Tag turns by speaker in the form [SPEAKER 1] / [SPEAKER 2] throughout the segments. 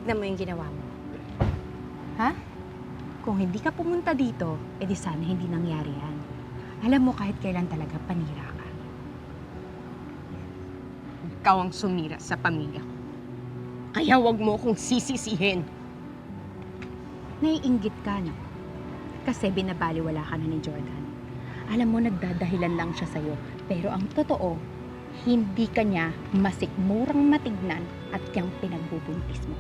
[SPEAKER 1] tignan mo yung ginawa mo. Ha? Kung hindi ka pumunta dito, edi sana hindi nangyari yan. Alam mo, kahit kailan talaga panira ka.
[SPEAKER 2] Ikaw ang sumira sa pamilya ko. Kaya wag mo akong sisisihin.
[SPEAKER 1] Naiinggit ka, no? Kasi binabaliwala ka na ni Jordan. Alam mo, nagdadahilan lang siya sa'yo. Pero ang totoo, hindi ka niya masikmurang matignan at kang pinagbubuntis mo.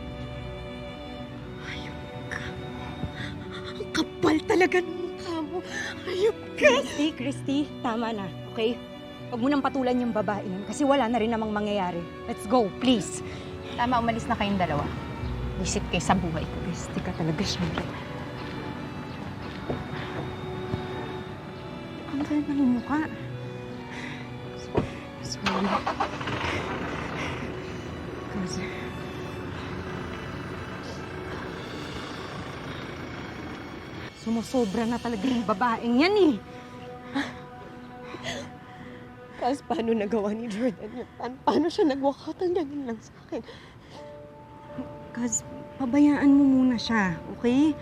[SPEAKER 2] Ayop ka. Ang kapal talaga ng mukha mo. Ayop ka.
[SPEAKER 1] Christy, tama na, okay? Huwag mo nang patulan yung babae yun kasi wala na rin namang mangyayari. Let's go, please. Tama, umalis na kayong dalawa. Visit kayo sa buhay ko.
[SPEAKER 2] Christy ka talaga, Shari.
[SPEAKER 1] Ang ganda ng mukha.
[SPEAKER 2] Sorry. Kasi...
[SPEAKER 1] Sumusobra na talaga yung babaeng yan eh.
[SPEAKER 2] Kasi paano nagawa ni Jordan yun? Paano siya nag-walkout ang ganun lang sa akin?
[SPEAKER 1] Kaz, pabayaan mo muna siya, okay?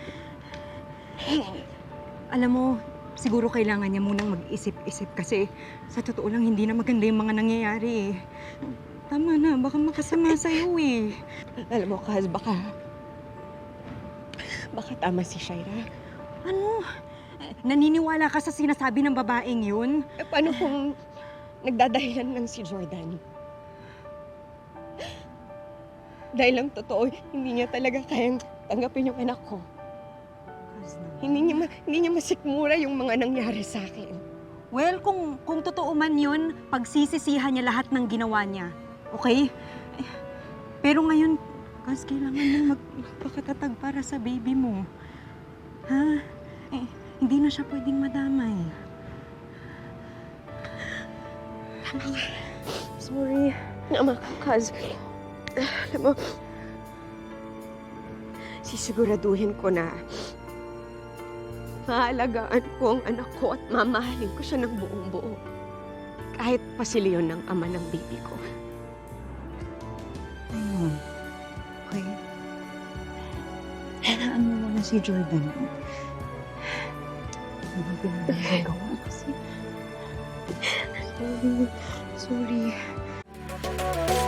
[SPEAKER 1] Alam mo, siguro kailangan niya munang mag-isip-isip kasi sa totoo lang hindi na maganda yung mga nangyayari eh. Tama na, baka makasama sa'yo eh.
[SPEAKER 2] Alam mo, Kaz, baka tama si Shaira.
[SPEAKER 1] Ano? Naniniwala ka sa sinasabi ng babaeng yun?
[SPEAKER 2] Paano kung nagdadahilan lang si Jordan? Dahil lang totoo, hindi niya talaga kayang tanggapin yung anak ko.
[SPEAKER 1] Kaz,
[SPEAKER 2] Hindi niya masikmura yung mga nangyari sa akin.
[SPEAKER 1] well, kung totoo man yun, pagsisisihan niya lahat ng ginawa niya. Okay? Pero ngayon, Kaz, kailangan mo magpakatatag para sa baby mo. Ha? Hindi na siya pwedeng madamay.
[SPEAKER 2] Sorry. Nama ka, Kaz. Alam mo, sisiguraduhin ko na maalagaan ko ang anak ko at mamahalin ko siya ng buong buo. Kahit pasiliyon ng ama ng baby ko.
[SPEAKER 1] Ayun. Okay. Hayaan mo muna si Jordan. Ano ba pinagagawa kasi?
[SPEAKER 2] Sorry.